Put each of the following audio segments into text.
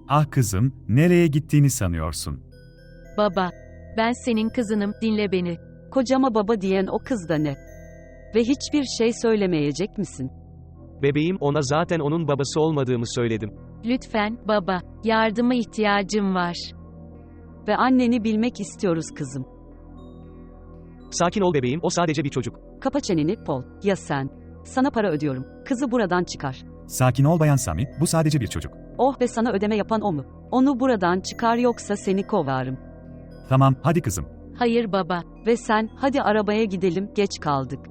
Ah kızım, nereye gittiğini sanıyorsun? Baba, ben senin kızınım, dinle beni. Kocama baba diyen o kız da ne? Ve hiçbir şey söylemeyecek misin? Bebeğim, ona zaten onun babası olmadığımı söyledim. Lütfen, baba, yardıma ihtiyacım var. Ve anneni bilmek istiyoruz kızım. Sakin ol bebeğim, o sadece bir çocuk. Kapa çeneni, Paul. Ya sen? Sana para ödüyorum. Kızı buradan çıkar. Sakin ol Bayan Sami, bu sadece bir çocuk. Oh be, sana ödeme yapan o mu? Onu buradan çıkar yoksa seni kovarım. Tamam, hadi kızım. Hayır baba. Ve sen, hadi arabaya gidelim, geç kaldık.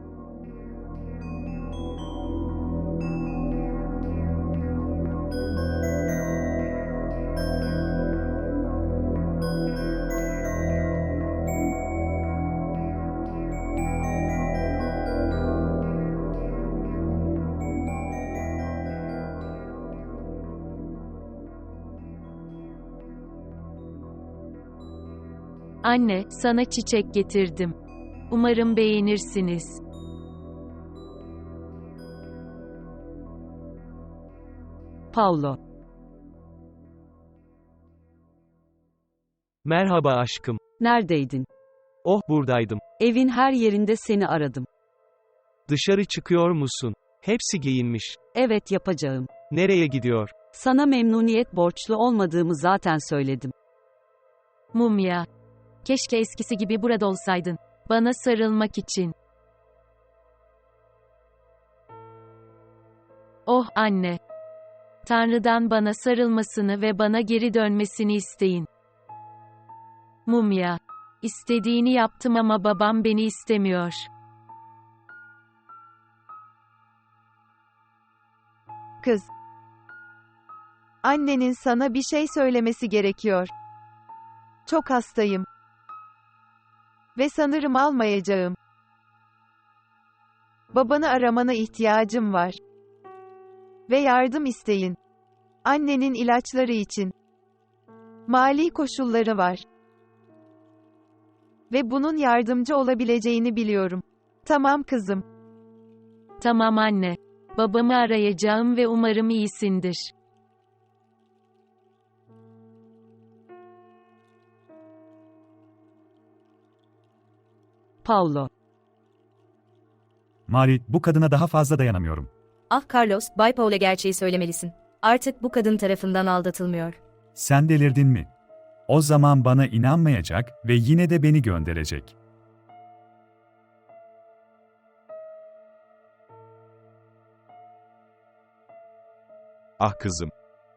Anne, sana çiçek getirdim. Umarım beğenirsiniz. Paulo. Merhaba aşkım. Neredeydin? Oh, buradaydım. Evin her yerinde seni aradım. Dışarı çıkıyor musun? Hepsi giyinmiş. Evet, yapacağım. Nereye gidiyor? Sana memnuniyet borçlu olmadığımı zaten söyledim. Mumya. Keşke eskisi gibi burada olsaydın. Bana sarılmak için. Oh anne. Tanrı'dan bana sarılmasını ve bana geri dönmesini isteyin. Mumya. İstediğini yaptım ama babam beni istemiyor. Kız. Annenin sana bir şey söylemesi gerekiyor. Çok hastayım. Ve sanırım almayacağım. Babanı aramana ihtiyacım var. Ve yardım isteyin. Annenin ilaçları için. Mali koşulları var. Ve bunun yardımcı olabileceğini biliyorum. Tamam kızım. Tamam anne. Babamı arayacağım ve umarım iyisindir. Paulo. Mari, bu kadına daha fazla dayanamıyorum. Ah Carlos, Bay Paul'e gerçeği söylemelisin. Artık bu kadın tarafından aldatılmıyor. Sen delirdin mi? O zaman bana inanmayacak ve yine de beni gönderecek. Ah kızım.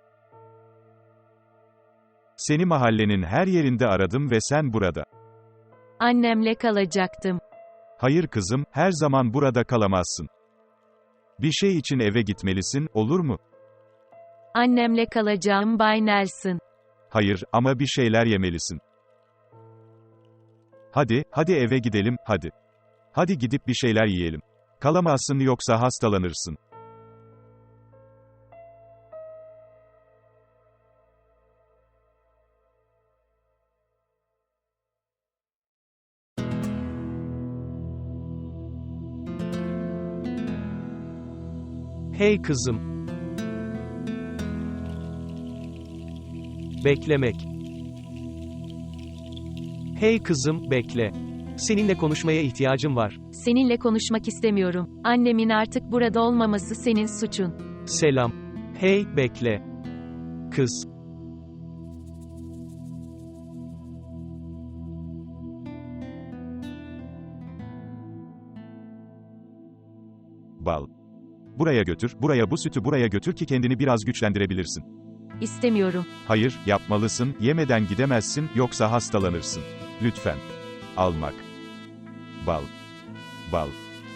Seni mahallenin her yerinde aradım ve sen burada. Annemle kalacaktım. Hayır kızım, her zaman burada kalamazsın. Bir şey için eve gitmelisin, olur mu? Annemle kalacağım Bay Nelson. Hayır, ama bir şeyler yemelisin. Hadi eve gidelim, hadi. Hadi gidip bir şeyler yiyelim. Kalamazsın yoksa hastalanırsın. Hey kızım. Beklemek. Hey kızım, bekle. Seninle konuşmaya ihtiyacım var. Seninle konuşmak istemiyorum. Annemin artık burada olmaması senin suçun. Selam. Hey, bekle. Kız. Bal. Buraya götür, bu sütü buraya götür ki kendini biraz güçlendirebilirsin. İstemiyorum. Hayır, yapmalısın, yemeden gidemezsin, yoksa hastalanırsın. Lütfen. Almak. Bal. Bal.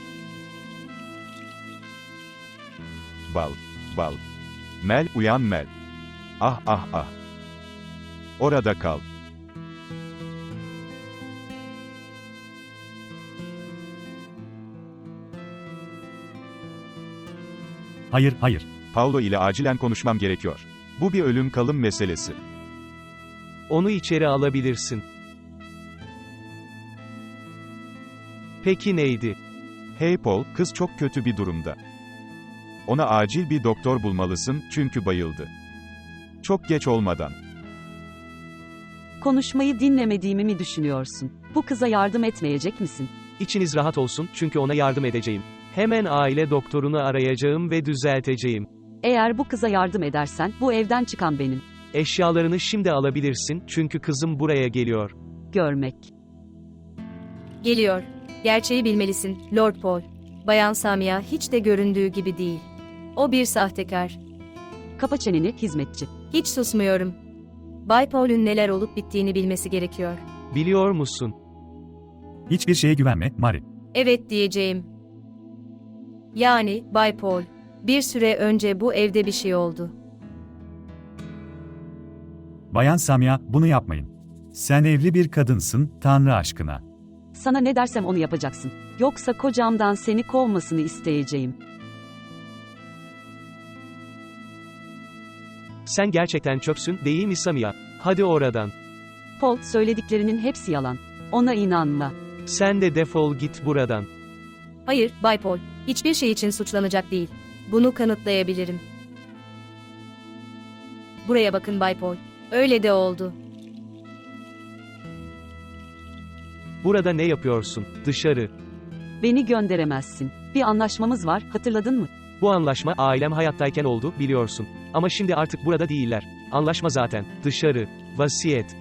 Bal. Bal. Mel, uyan Mel. Ah ah ah. Orada kal. Hayır, hayır. Paulo ile acilen konuşmam gerekiyor. Bu bir ölüm kalım meselesi. Onu içeri alabilirsin. Peki neydi? Hey Paul, kız çok kötü bir durumda. Ona acil bir doktor bulmalısın, çünkü bayıldı. Çok geç olmadan. Konuşmayı dinlemediğimi mi düşünüyorsun? Bu kıza yardım etmeyecek misin? İçiniz rahat olsun çünkü ona yardım edeceğim. Hemen aile doktorunu arayacağım ve düzelteceğim. Eğer bu kıza yardım edersen, bu evden çıkan benim. Eşyalarını şimdi alabilirsin çünkü kızım buraya geliyor. Görmek. Geliyor. Gerçeği bilmelisin, Lord Paul. Bayan Samia hiç de göründüğü gibi değil. O bir sahtekar. Kapa çeneni, hizmetçi. Hiç susmuyorum. Bay Paul'ün neler olup bittiğini bilmesi gerekiyor. Biliyor musun? Hiçbir şeye güvenme, Mari. Evet diyeceğim. Yani, Bay Paul. Bir süre önce bu evde bir şey oldu. Bayan Samia, bunu yapmayın. Sen evli bir kadınsın, Tanrı aşkına. Sana ne dersem onu yapacaksın. Yoksa kocamdan seni kovmasını isteyeceğim. Sen gerçekten çöpsün, değil mi Samia? Hadi oradan. Paul, söylediklerinin hepsi yalan. Ona inanma. Sen de defol git buradan. Hayır, Bay Paul. Hiçbir şey için suçlanacak değil. Bunu kanıtlayabilirim. Buraya bakın Bay Paul. Öyle de oldu. Burada ne yapıyorsun? Dışarı. Beni gönderemezsin. Bir anlaşmamız var, hatırladın mı? Bu anlaşma ailem hayattayken oldu, biliyorsun. Ama şimdi artık burada değiller. Anlaşma zaten. Dışarı. Vasiyet.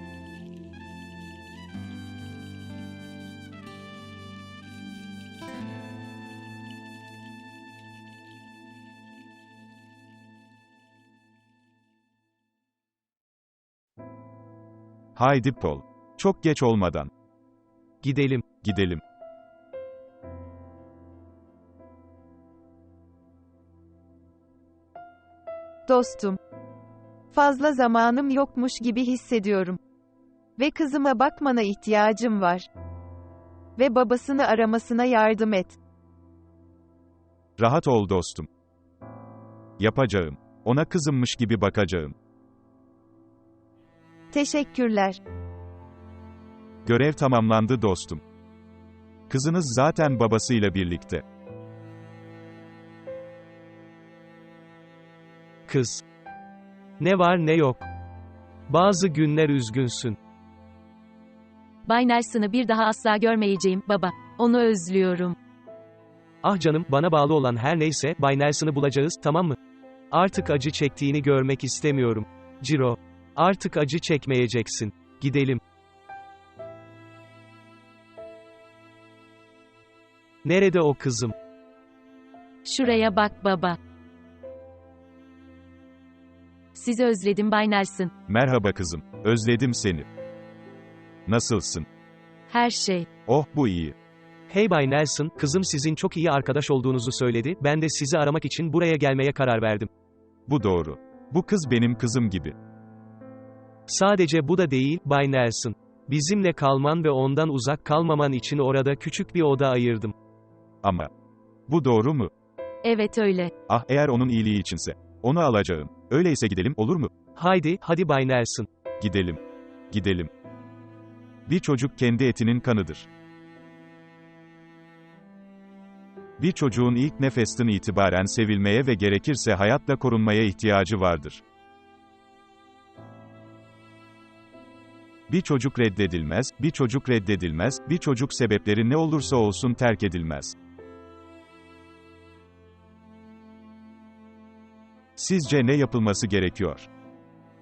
Haydi Paul. Çok geç olmadan. Gidelim. Gidelim. Dostum. Fazla zamanım yokmuş gibi hissediyorum. Ve kızıma bakmana ihtiyacım var. Ve babasını aramasına yardım et. Rahat ol dostum. Yapacağım. Ona kızımmış gibi bakacağım. Teşekkürler. Görev tamamlandı dostum. Kızınız zaten babasıyla birlikte. Kız. Ne var ne yok. Bazı günler üzgünsün. Bay Nelson'ı bir daha asla görmeyeceğim, baba. Onu özlüyorum. Ah canım, bana bağlı olan her neyse, Bay Nelson'ı bulacağız, tamam mı? Artık acı çektiğini görmek istemiyorum. Ciro. Artık acı çekmeyeceksin. Gidelim. Nerede o kızım? Şuraya bak baba. Sizi özledim Bay Nelson. Merhaba kızım. Özledim seni. Nasılsın? Her şey. Oh, bu iyi. Hey Bay Nelson, kızım sizin çok iyi arkadaş olduğunuzu söyledi, ben de sizi aramak için buraya gelmeye karar verdim. Bu doğru. Bu kız benim kızım gibi. Sadece bu da değil, Bay Nelson. Bizimle kalman ve ondan uzak kalmaman için orada küçük bir oda ayırdım. Ama bu doğru mu? Evet öyle. Ah, eğer onun iyiliği içinse. Onu alacağım. Öyleyse gidelim, olur mu? Haydi, hadi Bay Nelson. Gidelim. Gidelim. Bir çocuk kendi etinin kanıdır. Bir çocuğun ilk nefesten itibaren sevilmeye ve gerekirse hayatla korunmaya ihtiyacı vardır. Bir çocuk reddedilmez, bir çocuk reddedilmez, bir çocuk sebepleri ne olursa olsun terk edilmez. Sizce ne yapılması gerekiyor?